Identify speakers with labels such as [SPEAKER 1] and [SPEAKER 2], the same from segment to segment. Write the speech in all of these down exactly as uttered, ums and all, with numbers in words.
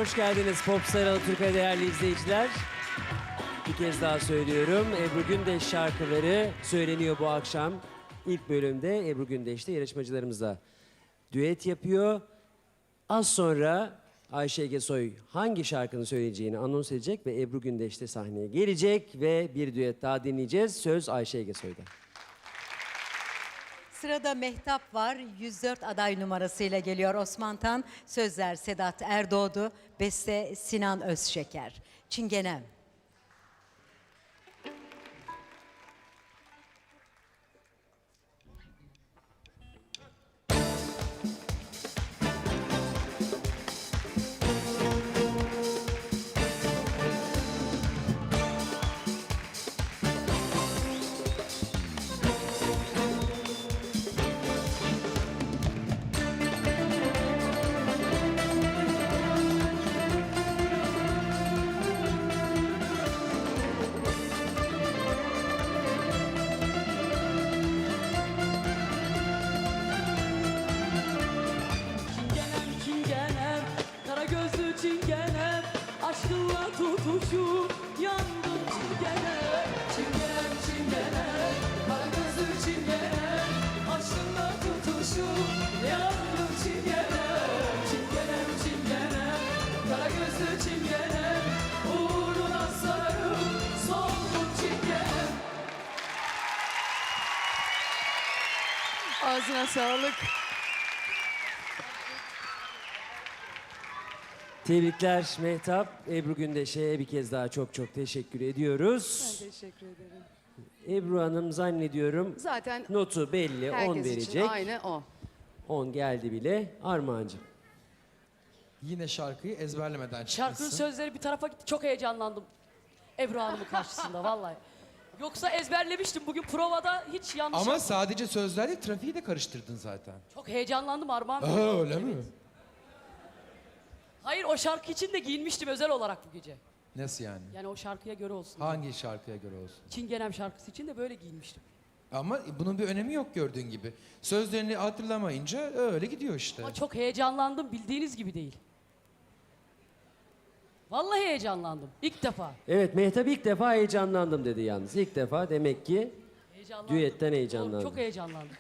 [SPEAKER 1] hoş geldiniz Popstar Alaturka'ya değerli izleyiciler. Bir kez daha söylüyorum. Ebru Gündeş şarkıları söyleniyor bu akşam. İlk bölümde Ebru Gündeş de yarışmacılarımızla düet yapıyor. Az sonra Ayşe Egesoy hangi şarkının söyleyeceğini anons edecek ve Ebru Gündeş de sahneye gelecek ve bir düet daha dinleyeceğiz. Söz Ayşe Egesoy'da.
[SPEAKER 2] Sırada Mehtap var. yüz dört aday numarasıyla geliyor Osman Tan. Sözler Sedat Erdoğdu, beste Sinan Özşeker. Çingenem.
[SPEAKER 3] Çingenem çingenem, kara gözlü çingenem, aşkınla tutuşup yandım çingenem. Çingenem çingenem, kara gözlü çingenem, aşkınla tutuşup yandım çingenem. Çingenem çingenem, kara gözlü çingenem, uğruna sararım soldum çingenem.
[SPEAKER 4] Ağzına sağlık.
[SPEAKER 1] Tebrikler Mehtap. Ebru Gündeş'e bir kez daha çok çok teşekkür ediyoruz.
[SPEAKER 4] Ben teşekkür ederim.
[SPEAKER 1] Ebru Hanım zannediyorum
[SPEAKER 4] Zaten
[SPEAKER 1] notu belli, on
[SPEAKER 4] herkes
[SPEAKER 1] verecek.
[SPEAKER 4] için aynı o.
[SPEAKER 1] on geldi bile. Armağancığım.
[SPEAKER 5] Yine şarkıyı ezberlemeden
[SPEAKER 3] Şarkının
[SPEAKER 5] çıkmışsın.
[SPEAKER 3] sözleri bir tarafa gitti. Çok heyecanlandım Ebru Hanım'ın karşısında vallahi. Yoksa ezberlemiştim bugün provada hiç yanlış
[SPEAKER 5] Ama
[SPEAKER 3] yapmadım.
[SPEAKER 5] sadece sözlerle trafiği de karıştırdın zaten.
[SPEAKER 3] Çok heyecanlandım Armağan Bey.
[SPEAKER 5] Aa, öyle mi?
[SPEAKER 3] Hayır o şarkı için de giyinmiştim özel olarak bu gece.
[SPEAKER 5] Nasıl yani?
[SPEAKER 3] Yani o şarkıya göre olsun.
[SPEAKER 5] Hangi şarkıya göre olsun?
[SPEAKER 3] Çingenem şarkısı için de böyle giyinmiştim.
[SPEAKER 5] Ama bunun bir önemi yok gördüğün gibi. Sözlerini hatırlamayınca öyle gidiyor işte.
[SPEAKER 3] Ama çok heyecanlandım bildiğiniz gibi değil. Vallahi heyecanlandım ilk defa.
[SPEAKER 1] Evet Mehtap ilk defa heyecanlandım dedi yalnız. İlk defa demek ki
[SPEAKER 3] Heyecanlandım.
[SPEAKER 1] düetten heyecanlandım.
[SPEAKER 3] Çok heyecanlandım.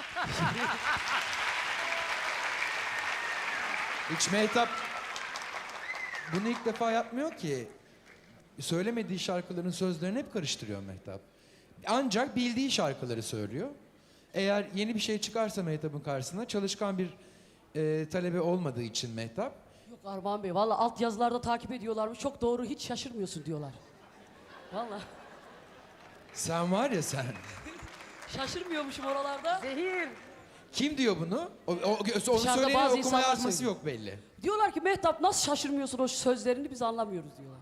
[SPEAKER 5] Hiç Mehtap bunu ilk defa yapmıyor ki. Söylemediği şarkıların sözlerini hep karıştırıyor Mehtap. Ancak bildiği şarkıları söylüyor. Eğer yeni bir şey çıkarsa Mehtap'ın karşısına çalışkan bir e, talebe olmadığı için Mehtap
[SPEAKER 3] Yok Armağan Bey vallahi alt yazılarda takip ediyorlarmış. Çok doğru hiç şaşırmıyorsun diyorlar. Vallahi
[SPEAKER 5] sen var ya sen.
[SPEAKER 3] şaşırmıyormuşum oralarda.
[SPEAKER 4] Zehir.
[SPEAKER 5] Kim diyor bunu? O, o, onu
[SPEAKER 3] Dışarıda
[SPEAKER 5] söyleyen
[SPEAKER 3] bazı
[SPEAKER 5] okuma
[SPEAKER 3] insanlar
[SPEAKER 5] yazması
[SPEAKER 3] söylüyor.
[SPEAKER 5] yok belli.
[SPEAKER 3] Diyorlar ki Mehtap nasıl şaşırmıyorsun o sözlerini biz anlamıyoruz diyorlar.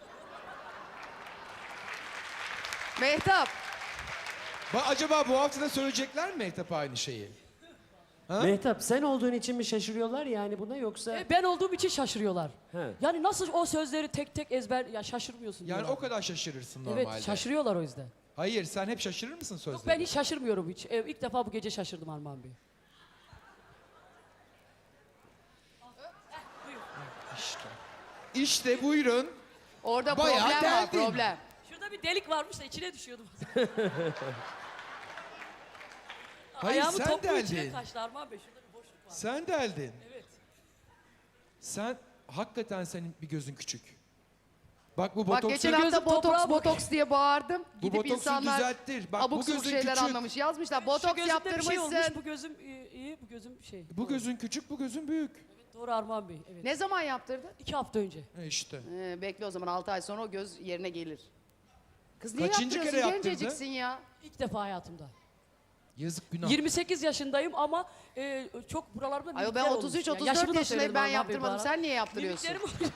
[SPEAKER 4] Mehtap.
[SPEAKER 5] Ba acaba bu hafta da söyleyecekler mi Mehtap aynı şeyi? Ha?
[SPEAKER 1] Mehtap sen olduğun için mi şaşırıyorlar yani buna yoksa?
[SPEAKER 3] E, ben olduğum için şaşırıyorlar.
[SPEAKER 1] He.
[SPEAKER 3] Yani nasıl o sözleri tek tek ezber ya şaşırmıyorsun
[SPEAKER 5] Yani
[SPEAKER 3] diyorlar.
[SPEAKER 5] o kadar şaşırırsın normalde.
[SPEAKER 3] Evet şaşırıyorlar o yüzden.
[SPEAKER 5] Hayır sen hep şaşırır mısın
[SPEAKER 3] Yok
[SPEAKER 5] sözleri?
[SPEAKER 3] ben hiç şaşırmıyorum hiç. E, ilk defa bu gece şaşırdım Armağan Bey.
[SPEAKER 5] İşte. İşte buyurun.
[SPEAKER 4] Orada
[SPEAKER 5] Bayağı
[SPEAKER 4] problem var,
[SPEAKER 5] deldin.
[SPEAKER 4] problem.
[SPEAKER 3] Şurada bir delik varmış da içine düşüyordum.
[SPEAKER 5] Hayır,
[SPEAKER 3] Ayağımı
[SPEAKER 5] sen
[SPEAKER 3] toplu içine
[SPEAKER 5] deldin.
[SPEAKER 3] kaçtı Armağan Bey. Şurada bir boşluk var.
[SPEAKER 5] Sen deldin.
[SPEAKER 3] Evet.
[SPEAKER 5] Sen hakikaten senin bir gözün küçük. Bak bu
[SPEAKER 4] Bak
[SPEAKER 5] botoks
[SPEAKER 4] geçen
[SPEAKER 3] gözüm
[SPEAKER 4] hafta botoks
[SPEAKER 3] toprağa bak.
[SPEAKER 4] botoks diye bağırdım.
[SPEAKER 5] Bu
[SPEAKER 4] Gidip
[SPEAKER 5] botoksu
[SPEAKER 4] insanlar
[SPEAKER 5] düzelttir. Bak,
[SPEAKER 4] abuk
[SPEAKER 5] bu
[SPEAKER 4] subuk
[SPEAKER 5] gözün
[SPEAKER 4] şeyler
[SPEAKER 5] küçük.
[SPEAKER 4] anlamış. Yazmışlar
[SPEAKER 3] Şu
[SPEAKER 4] botoks
[SPEAKER 3] gözümde bir şey olmuş.
[SPEAKER 4] yaptırmışsın.
[SPEAKER 3] Bu gözüm iyi, iyi, bu gözüm şey.
[SPEAKER 5] bu gözün küçük, bu gözün büyük.
[SPEAKER 3] Evet, doğru Armağan Bey. Evet.
[SPEAKER 4] Ne zaman yaptırdın?
[SPEAKER 3] İki hafta önce.
[SPEAKER 5] E işte.
[SPEAKER 4] Ee, bekle o zaman altı ay sonra o göz yerine gelir. Kız niye
[SPEAKER 5] Kaçıncı
[SPEAKER 4] yaptırıyorsun?
[SPEAKER 5] kere yaptırdı?
[SPEAKER 4] Genceciksin ya.
[SPEAKER 3] İlk defa hayatımda.
[SPEAKER 5] Yazık günah.
[SPEAKER 3] yirmi sekiz yaşındayım ama e, çok buralarımda
[SPEAKER 4] Ayol ben
[SPEAKER 3] minikler
[SPEAKER 4] otuz üç
[SPEAKER 3] olmuş.
[SPEAKER 4] otuz
[SPEAKER 3] Yani
[SPEAKER 4] dört
[SPEAKER 3] yaşımı da
[SPEAKER 4] yaşındayım
[SPEAKER 3] söyledim
[SPEAKER 4] ben
[SPEAKER 3] Armağan Bey bu
[SPEAKER 4] yaptırmadım.
[SPEAKER 3] ara.
[SPEAKER 4] Sen niye yaptırıyorsun?
[SPEAKER 3] Mimiklerim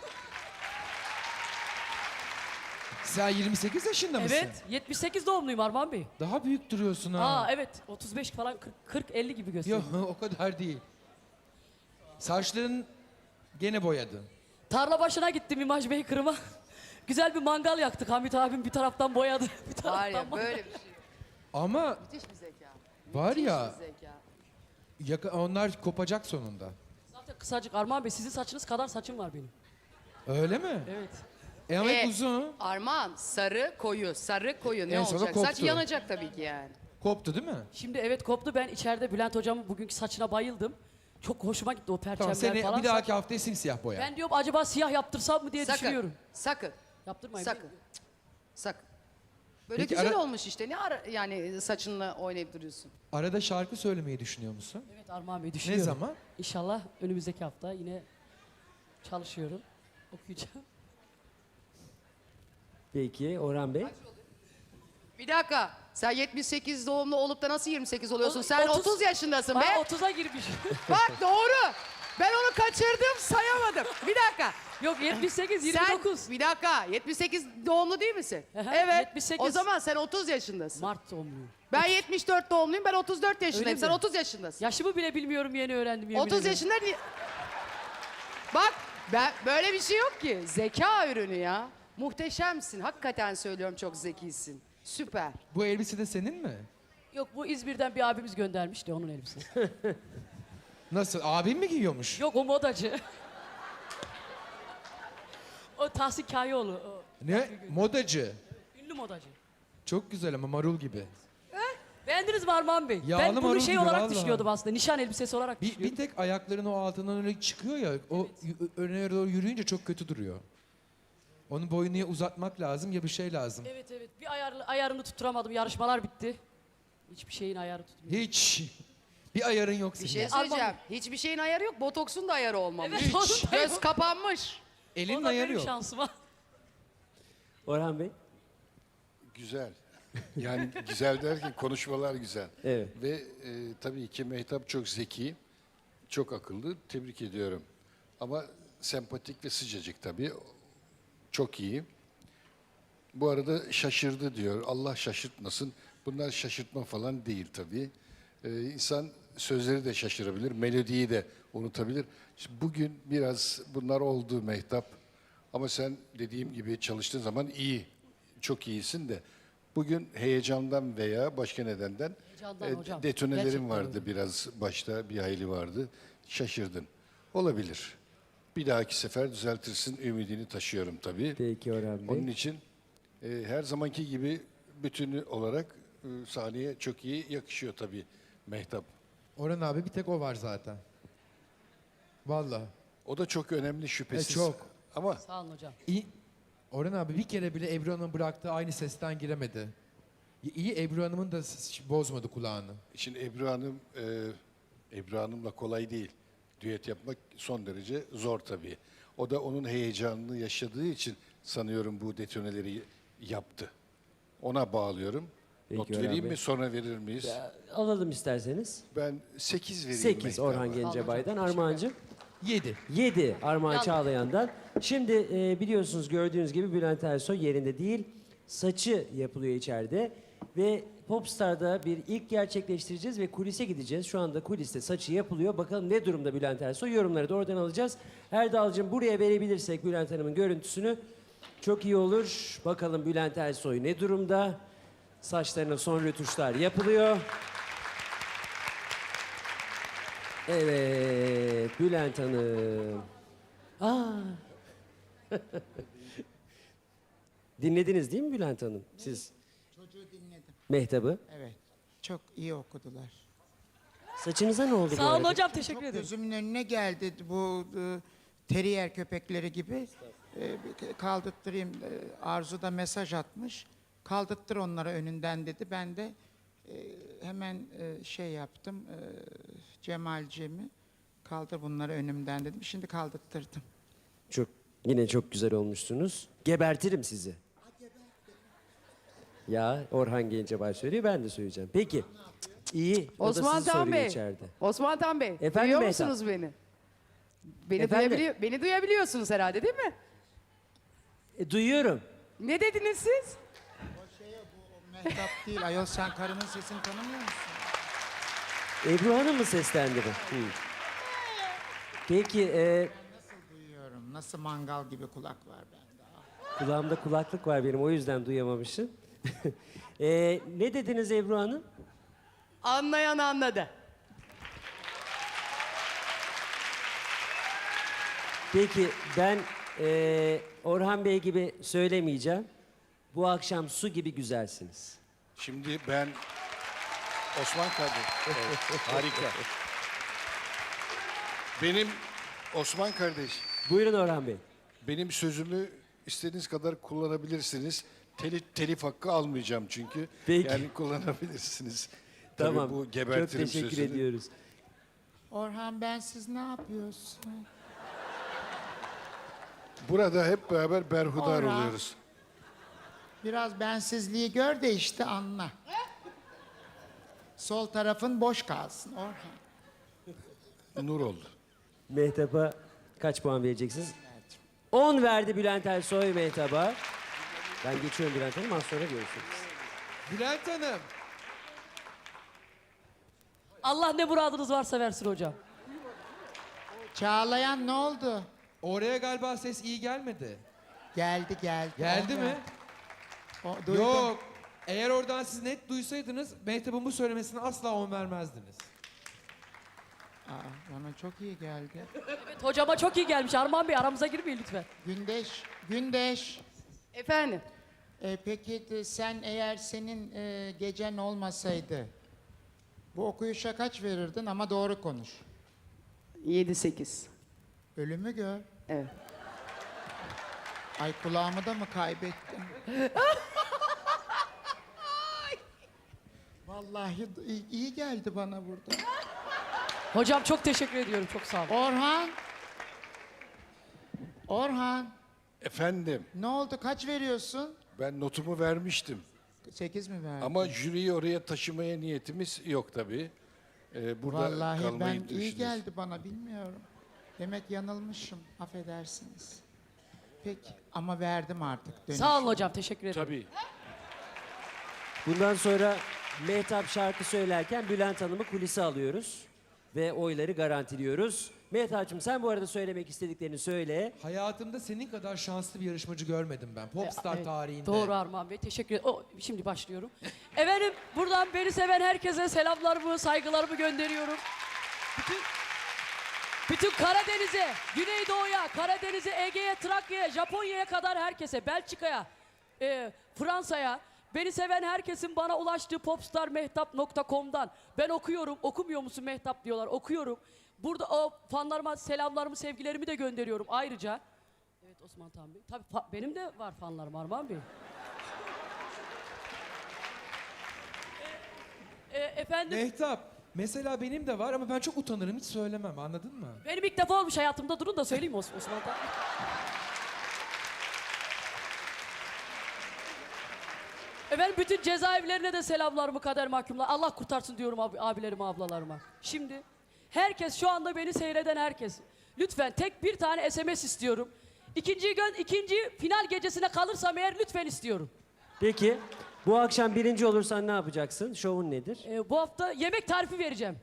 [SPEAKER 5] Sen yirmi sekiz yaşında mısın?
[SPEAKER 3] Evet, yetmiş sekiz doğumluyum Armağan Bey.
[SPEAKER 5] Daha büyük duruyorsun ha.
[SPEAKER 3] Aa evet, otuz beş falan kırk elli gibi gösteriyor.
[SPEAKER 5] Yok o kadar değil. Saçların gene boyadın.
[SPEAKER 3] Tarla başına gittim İmaj Bey Kırım'a. Güzel bir mangal yaktık. Hamit abim bir taraftan boyadı. Bir taraftan
[SPEAKER 4] Var ya
[SPEAKER 3] mangal.
[SPEAKER 4] böyle bir şey.
[SPEAKER 5] Ama
[SPEAKER 4] Müthiş bir zeka.
[SPEAKER 5] var
[SPEAKER 4] Müthiş
[SPEAKER 5] ya
[SPEAKER 4] bir zeka.
[SPEAKER 5] yaka- onlar kopacak sonunda.
[SPEAKER 3] Zaten kısacık Armağan Bey sizin saçınız kadar saçım var benim.
[SPEAKER 5] Öyle mi?
[SPEAKER 3] Evet.
[SPEAKER 5] E ama hep
[SPEAKER 4] E,
[SPEAKER 5] uzun.
[SPEAKER 4] Armağan sarı koyu, sarı koyu ne
[SPEAKER 5] En sona
[SPEAKER 4] olacak? Saç
[SPEAKER 5] koptu.
[SPEAKER 4] yanacak tabii ki yani.
[SPEAKER 5] Koptu değil mi?
[SPEAKER 3] Şimdi evet koptu. Ben içeride Bülent hocamın bugünkü saçına bayıldım. Çok hoşuma gitti o perçemler
[SPEAKER 5] Tamam seni
[SPEAKER 3] falan.
[SPEAKER 5] bir dahaki haftaya simsiyah boya.
[SPEAKER 3] Ben diyorum acaba siyah yaptırsam mı diye
[SPEAKER 4] Sakın,
[SPEAKER 3] düşünüyorum.
[SPEAKER 4] sakın,
[SPEAKER 3] Yaptırmayın.
[SPEAKER 4] sakın, sakın. Böyle
[SPEAKER 5] Peki,
[SPEAKER 4] güzel
[SPEAKER 5] ara-
[SPEAKER 4] olmuş işte. Ne ara, yani saçınla oynayıp duruyorsun?
[SPEAKER 5] Arada şarkı söylemeyi düşünüyor musun?
[SPEAKER 3] Evet Armağan Bey
[SPEAKER 5] Ne
[SPEAKER 3] düşünüyorum.
[SPEAKER 5] zaman?
[SPEAKER 3] İnşallah önümüzdeki hafta yine çalışıyorum. Okuyacağım.
[SPEAKER 1] Peki Orhan Bey?
[SPEAKER 4] Bir dakika. Sen yetmiş sekiz doğumlu olup da nasıl yirmi sekiz oluyorsun?
[SPEAKER 3] O-
[SPEAKER 4] Sen
[SPEAKER 3] otuz
[SPEAKER 4] otuz yaşındasın be.
[SPEAKER 3] Aa, otuza girmiş.
[SPEAKER 4] Bak doğru. Ben onu kaçırdım, sayamadım. Bir dakika.
[SPEAKER 3] Yok yetmiş sekiz yirmi dokuz.
[SPEAKER 4] Sen bir dakika. yetmiş sekiz doğumlu değil misin?
[SPEAKER 3] Aha,
[SPEAKER 4] Evet.
[SPEAKER 3] yetmiş sekiz.
[SPEAKER 4] O zaman sen otuz yaşındasın.
[SPEAKER 3] Mart doğumluyum.
[SPEAKER 4] Ben yetmiş dört doğumluyum. Ben otuz dört yaşındayım.
[SPEAKER 3] Öyle
[SPEAKER 4] Sen
[SPEAKER 3] mi?
[SPEAKER 4] otuz yaşındasın.
[SPEAKER 3] Yaşımı bile bilmiyorum yeni öğrendim. yemin
[SPEAKER 4] otuz
[SPEAKER 3] ederim.
[SPEAKER 4] yaşında ni- Bak ben böyle bir şey yok ki. Zeka ürünü ya. Muhteşemsin. Hakikaten söylüyorum çok zekisin. Süper.
[SPEAKER 5] Bu elbise de senin mi?
[SPEAKER 3] Yok bu İzmir'den bir abimiz göndermişti onun elbisesi.
[SPEAKER 5] Nasıl? Abin mi giyiyormuş?
[SPEAKER 3] Yok o modacı. O Tahsin Kayoğlu. O
[SPEAKER 5] Ne? Modacı.
[SPEAKER 3] ünlü modacı.
[SPEAKER 5] Çok güzel ama marul gibi.
[SPEAKER 3] Beğendiniz mi Armağan Bey?
[SPEAKER 5] Yağlı
[SPEAKER 3] ben bunu
[SPEAKER 5] marul
[SPEAKER 3] şey
[SPEAKER 5] gibi
[SPEAKER 3] olarak
[SPEAKER 5] vallahi.
[SPEAKER 3] düşünüyordum aslında. Nişan elbisesi olarak
[SPEAKER 5] Bir,
[SPEAKER 3] düşünüyordum.
[SPEAKER 5] bir tek ayakların o altından öyle çıkıyor ya. O y- öne doğru yürüyünce çok kötü duruyor. Onun boyunu ya uzatmak lazım ya bir şey lazım.
[SPEAKER 3] Evet evet. Bir ayarlı, ayarını tutturamadım. Yarışmalar bitti. Hiçbir şeyin ayarı tutmuyor.
[SPEAKER 5] Hiç. Bir ayarın yok
[SPEAKER 4] Bir
[SPEAKER 5] senin.
[SPEAKER 4] şey söyleyeceğim. Hiçbir şeyin ayarı yok. Botoksun da ayarı olmamış.
[SPEAKER 3] Evet, onun
[SPEAKER 4] Hiç.
[SPEAKER 3] da
[SPEAKER 4] Göz
[SPEAKER 3] yok.
[SPEAKER 4] kapanmış.
[SPEAKER 5] Elinin
[SPEAKER 3] O da
[SPEAKER 5] ayarı
[SPEAKER 3] benim
[SPEAKER 5] yok.
[SPEAKER 3] şansıma.
[SPEAKER 1] Orhan Bey?
[SPEAKER 6] Güzel. Yani güzel derken konuşmalar güzel.
[SPEAKER 1] Evet.
[SPEAKER 6] Ve e, tabii ki Mehtap çok zeki, çok akıllı. Tebrik ediyorum. Ama sempatik ve sıcacık tabii. Çok iyi. Bu arada şaşırdı diyor. Allah şaşırtmasın. Bunlar şaşırtma falan değil tabii. Ee, insan sözleri de şaşırabilir, melodiyi de unutabilir. İşte bugün biraz bunlar oldu Mehtap. Ama sen dediğim gibi çalıştığın zaman iyi, çok iyisin de. Bugün heyecandan veya başka nedenden
[SPEAKER 3] Heyecandan
[SPEAKER 6] e,
[SPEAKER 3] hocam.
[SPEAKER 6] detonelerin
[SPEAKER 3] Gerçekten
[SPEAKER 6] vardı
[SPEAKER 3] öyle.
[SPEAKER 6] biraz başta bir hayli vardı. Şaşırdın. Olabilir. Bir dahaki sefer düzeltirsin ümidini taşıyorum tabii.
[SPEAKER 1] Peki Orhan Bey.
[SPEAKER 6] Onun için e, her zamanki gibi bütünü olarak e, sahneye çok iyi yakışıyor tabii Mehtap.
[SPEAKER 5] Orhan abi bir tek o var zaten. Vallahi.
[SPEAKER 6] O da çok önemli şüphesiz.
[SPEAKER 5] E, çok.
[SPEAKER 6] Ama
[SPEAKER 3] Sağ olun hocam.
[SPEAKER 5] İyi. Orhan abi bir kere bile Ebru Hanım'ın bıraktığı aynı sesten giremedi. İyi Ebru Hanım'ın da s- bozmadı kulağını.
[SPEAKER 6] şimdi Ebru Hanım, e, Ebru Hanım'la kolay değil. Düet yapmak son derece zor tabii. O da onun heyecanını yaşadığı için sanıyorum bu detoneleri yaptı. Ona bağlıyorum.
[SPEAKER 1] Peki
[SPEAKER 6] Not
[SPEAKER 1] Orhan
[SPEAKER 6] vereyim
[SPEAKER 1] Bey.
[SPEAKER 6] mi sonra verir miyiz?
[SPEAKER 1] Alalım isterseniz.
[SPEAKER 6] Ben sekiz vereyim
[SPEAKER 1] sekiz
[SPEAKER 6] Mehtap'a.
[SPEAKER 1] Orhan Gencebay'dan. Armağan'cığım?
[SPEAKER 5] Yedi.
[SPEAKER 1] yedi Armağan
[SPEAKER 3] Yanlış.
[SPEAKER 1] Çağlayan'dan. Şimdi e, biliyorsunuz gördüğünüz gibi Bülent Ersoy yerinde değil. Saçı yapılıyor içeride. Ve Popstar'da bir ilk gerçekleştireceğiz ve kulise gideceğiz. Şu anda kuliste saçı yapılıyor. Bakalım ne durumda Bülent Ersoy? Yorumları da oradan alacağız. Erdal'cığım buraya verebilirsek Bülent Hanım'ın görüntüsünü çok iyi olur. Bakalım Bülent Ersoy ne durumda? Saçlarına son rötuşlar yapılıyor. Evet, Bülent Hanım. Aa. Dinlediniz değil mi Bülent Hanım? Siz
[SPEAKER 7] Çocuğu dinledim.
[SPEAKER 1] Mehtap'ı.
[SPEAKER 7] Evet. Çok iyi okudular.
[SPEAKER 1] Saçınıza ne oldu bu
[SPEAKER 3] Sağ olun
[SPEAKER 1] arada?
[SPEAKER 3] hocam teşekkür
[SPEAKER 7] Çok
[SPEAKER 3] ederim.
[SPEAKER 7] gözümün önüne geldi bu e, teriyer köpekleri gibi. E, bir kaldırttırayım. E, Arzu da mesaj atmış. Kaldırttır onlara önünden dedi. Ben de e, hemen e, şey yaptım. E, Cemal'cimi kaldır bunları önümden dedim. Şimdi kaldırttırdım.
[SPEAKER 1] Çok yine çok güzel olmuşsunuz. Gebertirim sizi. Ya Orhan Gencebay söylüyor ben de söyleyeceğim. Peki. Cık, cık, İyi. O da
[SPEAKER 4] Osman
[SPEAKER 1] sizi
[SPEAKER 4] Tan
[SPEAKER 1] soruyor
[SPEAKER 4] Bey.
[SPEAKER 1] içeride.
[SPEAKER 4] Osman Tan Bey.
[SPEAKER 1] Efendim
[SPEAKER 4] duyuyor
[SPEAKER 1] Mehtap?
[SPEAKER 4] musunuz beni? Beni,
[SPEAKER 1] Efendim?
[SPEAKER 4] duyabiliyor, beni duyabiliyorsunuz herhalde değil mi?
[SPEAKER 1] E, duyuyorum.
[SPEAKER 4] Ne dediniz siz?
[SPEAKER 7] O şey bu Mehtap değil. Ayol sen karının sesini tanımıyor musun?
[SPEAKER 1] Ebru Hanım mı seslendi bu? Hı. Peki e,
[SPEAKER 7] Nasıl duyuyorum? Nasıl mangal gibi kulak var bende. Ah.
[SPEAKER 1] kulağımda kulaklık var benim o yüzden duyamamışım. E, ne dediniz Ebru Hanım?
[SPEAKER 4] Anlayan anladı.
[SPEAKER 1] Peki ben Ee, Orhan Bey gibi söylemeyeceğim. Bu akşam su gibi güzelsiniz.
[SPEAKER 6] Şimdi ben Osman kardeş. Evet, harika. Benim Osman kardeş,
[SPEAKER 1] Buyurun Orhan Bey.
[SPEAKER 6] benim sözümü istediğiniz kadar kullanabilirsiniz. Telif, telif hakkı almayacağım çünkü.
[SPEAKER 1] Peki.
[SPEAKER 6] Yani kullanabilirsiniz. Tabii
[SPEAKER 1] Tamam.
[SPEAKER 6] bu
[SPEAKER 1] Çok
[SPEAKER 6] gebertirim
[SPEAKER 1] teşekkür
[SPEAKER 6] sözünü.
[SPEAKER 1] ediyoruz.
[SPEAKER 7] Orhan ben siz ne yapıyorsun?
[SPEAKER 6] Burada hep beraber berhudar
[SPEAKER 7] Orhan.
[SPEAKER 6] oluyoruz.
[SPEAKER 7] Biraz bensizliği gör de işte anla. Sol tarafın boş kalsın Orhan.
[SPEAKER 6] Nur oldu.
[SPEAKER 1] Mehtap'a kaç puan vereceksiniz? on verdi Bülent Ersoy Mehtap'a. Ben geçiyorum Bülent Hanım, az sonra görüşürüz.
[SPEAKER 5] Bülent Hanım.
[SPEAKER 3] Allah ne muradınız varsa versin hocam.
[SPEAKER 7] Çağlayan ne oldu?
[SPEAKER 5] Oraya galiba ses iyi gelmedi.
[SPEAKER 7] Geldi geldi.
[SPEAKER 5] Geldi
[SPEAKER 7] O
[SPEAKER 5] mi?
[SPEAKER 7] geldi. O, duydum.
[SPEAKER 5] Yok. Eğer oradan siz net duysaydınız Mehtap'ın bu söylemesine asla on vermezdiniz.
[SPEAKER 7] Aa, bana çok iyi geldi.
[SPEAKER 3] Evet, hocama çok iyi gelmiş. Armağan Bey aramıza girmeyin lütfen.
[SPEAKER 7] Gündeş, Gündeş.
[SPEAKER 4] Efendim?
[SPEAKER 7] E, peki de sen eğer senin e, gecen olmasaydı bu okuyuşa kaç verirdin ama doğru konuş.
[SPEAKER 4] yedi sekiz.
[SPEAKER 7] Ölümü gör.
[SPEAKER 4] Evet.
[SPEAKER 7] Ay kulağımı da mı kaybettim? Vallahi d- iyi, iyi geldi bana burada.
[SPEAKER 3] Hocam çok teşekkür ediyorum. Çok sağ olun.
[SPEAKER 7] Orhan. Orhan.
[SPEAKER 6] Efendim,
[SPEAKER 7] Ne oldu? Kaç veriyorsun?
[SPEAKER 6] ben notumu vermiştim.
[SPEAKER 7] Sekiz mi verdin?
[SPEAKER 6] Ama jüriyi oraya taşımaya niyetimiz yok tabii. Ee, burada
[SPEAKER 7] Vallahi
[SPEAKER 6] kalmayı
[SPEAKER 7] ben iyi
[SPEAKER 6] düşünüyoruz.
[SPEAKER 7] geldi bana bilmiyorum. Demek yanılmışım. Affedersiniz. Peki ama verdim artık. Dönüş.
[SPEAKER 3] Sağ olun hocam. Teşekkür ederim.
[SPEAKER 6] Tabii.
[SPEAKER 1] Bundan sonra Mehtap şarkı söylerken Bülent Hanım'ı kulise alıyoruz. Ve oyları garantiliyoruz. Mehtap'cığım sen bu arada söylemek istediklerini söyle.
[SPEAKER 5] Hayatımda senin kadar şanslı bir yarışmacı görmedim ben. Popstar
[SPEAKER 3] Evet,
[SPEAKER 5] tarihinde.
[SPEAKER 3] Doğru Armağan Bey. Teşekkür ederim. O, şimdi başlıyorum. Efendim buradan beni seven herkese selamlarımı, saygılarımı gönderiyorum. Bütün, bütün Karadeniz'e, Güneydoğu'ya, Karadeniz'e, Ege'ye, Trakya'ya, Japonya'ya kadar herkese, Belçika'ya, e, Fransa'ya, beni seven herkesin bana ulaştığı popstar mehtap nokta com'dan ben okuyorum, okumuyor musun Mehtap diyorlar, okuyorum. Burada o fanlarıma selamlarımı, sevgilerimi de gönderiyorum ayrıca. Evet Osman Tan Bey. Tabii fa- benim de var fanlarım Armağan Bey. E, e, efendim
[SPEAKER 5] Mehtap, mesela benim de var ama ben çok utanırım, hiç söylemem, anladın mı?
[SPEAKER 3] benim ilk defa olmuş hayatımda, durun da söyleyeyim Os- Osman Tan. Efendim bütün cezaevlerine de selamlarımı, kader mahkumlar. Allah kurtarsın diyorum abi, abilerime, ablalarıma. Şimdi herkes, şu anda beni seyreden herkes, lütfen tek bir tane S M S istiyorum. İkinci gün, ikinci final gecesine kalırsam eğer lütfen istiyorum.
[SPEAKER 1] Peki bu akşam birinci olursan ne yapacaksın? Şovun nedir?
[SPEAKER 3] Ee, bu hafta yemek tarifi vereceğim.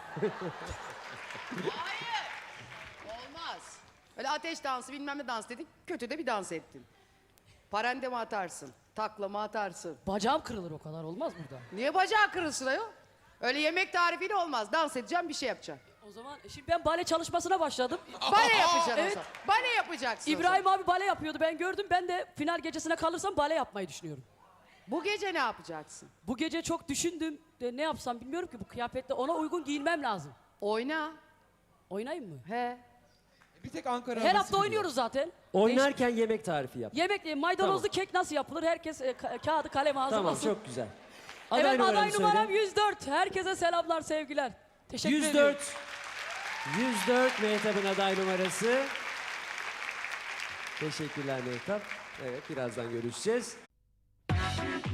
[SPEAKER 4] Olmaz. Öyle ateş dansı bilmem ne dans dedik. Kötü de bir dans ettin. Parende mi atarsın? Takla mı atarsın?
[SPEAKER 3] Bacağım kırılır, o kadar olmaz burada.
[SPEAKER 4] Niye bacağı kırılsın ayol? Öyle yemek tarifiyle olmaz. Dans edeceğim, bir şey yapacağım.
[SPEAKER 3] O zaman şimdi ben bale çalışmasına başladım.
[SPEAKER 4] Bale yapacaksın
[SPEAKER 3] Evet.
[SPEAKER 4] o zaman. Bale yapacaksın o
[SPEAKER 3] İbrahim
[SPEAKER 4] zaman.
[SPEAKER 3] abi bale yapıyordu, ben gördüm. Ben de final gecesine kalırsam bale yapmayı düşünüyorum.
[SPEAKER 4] Bu gece ne yapacaksın?
[SPEAKER 3] Bu gece çok düşündüm. De ne yapsam bilmiyorum ki, bu kıyafetle ona uygun giyinmem lazım.
[SPEAKER 4] Oyna.
[SPEAKER 3] Oynayayım mı?
[SPEAKER 4] He.
[SPEAKER 5] Bir tek Ankara
[SPEAKER 3] Her
[SPEAKER 5] havası
[SPEAKER 3] hafta
[SPEAKER 5] biliyor.
[SPEAKER 3] oynuyoruz zaten.
[SPEAKER 1] Oynarken yemek tarifi yap.
[SPEAKER 3] Yemek, e, maydanozlu
[SPEAKER 1] Tamam.
[SPEAKER 3] kek nasıl yapılır? Herkes e, ka- kağıdı kalemi
[SPEAKER 1] Tamam,
[SPEAKER 3] hazırlasın.
[SPEAKER 1] çok güzel. Aday
[SPEAKER 3] Evet,
[SPEAKER 1] numaranı
[SPEAKER 3] aday
[SPEAKER 1] söyle.
[SPEAKER 3] numaram yüz dört. Herkese selamlar, sevgiler. Teşekkür
[SPEAKER 1] yüz
[SPEAKER 3] ediyorum.
[SPEAKER 1] dört. yüz dört Mehtap'ın aday numarası. Teşekkürler Mehtap. Evet, birazdan görüşeceğiz.